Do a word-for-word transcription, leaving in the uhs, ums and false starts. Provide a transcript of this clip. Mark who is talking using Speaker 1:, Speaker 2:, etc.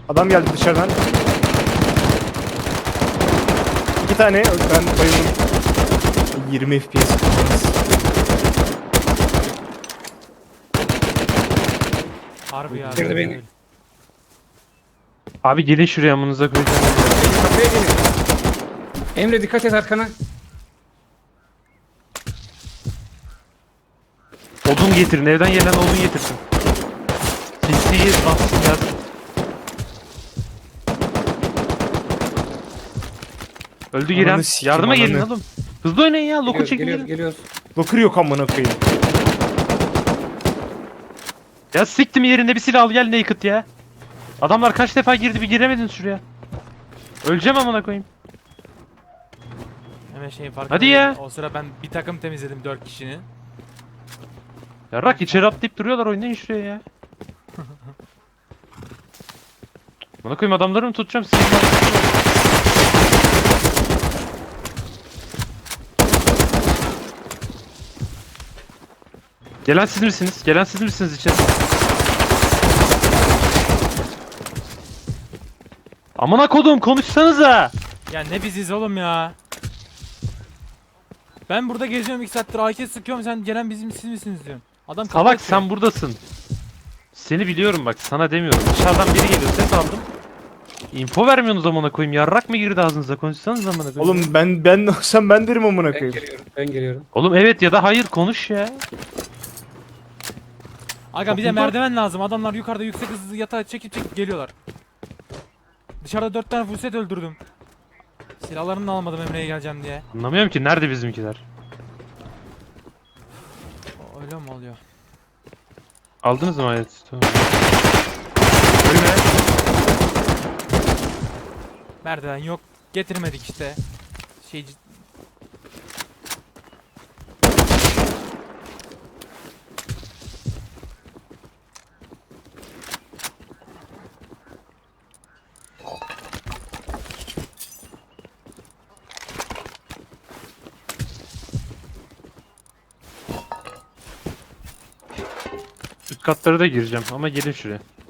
Speaker 1: Adam geldi dışarıdan. İki tane ben bayıldım. yirmi F P S.
Speaker 2: Harbi ya.
Speaker 3: Bitirdi beni.
Speaker 2: öyle.
Speaker 4: Abi gelin şuraya amınıza koyacağım.
Speaker 3: Kapıya gelin. Emre dikkat et arkana.
Speaker 4: Odun getirin, evden gelen odun getirsin. Sinsiyi bassın ya. Öldü
Speaker 1: Ananı
Speaker 4: giren.
Speaker 1: sikeyim,
Speaker 4: Yardıma gelin
Speaker 1: ananı.
Speaker 4: oğlum. Hızlı oynayın ya. Loku
Speaker 3: Geliyoruz,
Speaker 4: çekin
Speaker 3: geliyoruz,
Speaker 4: gelin.
Speaker 3: geliyoruz.
Speaker 1: Locker yok amına koyayım.
Speaker 4: Ya siktim yerinde bir silah al gel naked ya. Adamlar kaç defa girdi bir giremedin şuraya. Öleceğim amına koyayım.
Speaker 2: Hemen şeyin farkında
Speaker 4: Hadi ya.
Speaker 2: değilim. O sıra ben bir takım temizledim dört kişinin.
Speaker 4: Yarrak içeri atlayıp duruyorlar oynayın şuraya ya. Bana koyayım adamları mı tutacağım sizi? Gelen siz misiniz? Gelen siz misiniz içeri? Amına kodum konuşsanıza.
Speaker 2: Ya ne biziz oğlum ya. Ben burada geziyorum iki saattir A K sıkıyorum sen gelen bizim siz misiniz diyorsun. Adam kafa
Speaker 4: Salak
Speaker 2: atıyor.
Speaker 4: sen buradasın. Seni biliyorum bak sana demiyorum. Dışarıdan biri geliyor ses aldım. Info vermiyorsunuz amına koyayım. Yarrak mı girdi ağzınıza? Konuşsanız amına koyayım.
Speaker 1: Oğlum ben ben olsam ben derim amına
Speaker 3: Ben
Speaker 1: koyayım.
Speaker 3: geliyorum, ben geliyorum.
Speaker 4: Oğlum evet ya da hayır konuş ya.
Speaker 2: Aga bize
Speaker 4: Toplumda-
Speaker 2: merdiven lazım. Adamlar yukarıda yüksek hızlı yatağa çekip çekip geliyorlar. Dışarıda dört tane full set öldürdüm. Silahlarını da almadım Emre'ye geleceğim diye.
Speaker 4: Anlamıyorum ki nerede bizimkiler?
Speaker 2: O- Öyle mi oluyor?
Speaker 4: Aldınız mı ayet? Tamam.
Speaker 1: Ölme.
Speaker 2: Merdiven yok. Getirmedik işte. Şey
Speaker 4: Üst katlara da gireceğim ama gelin şuraya.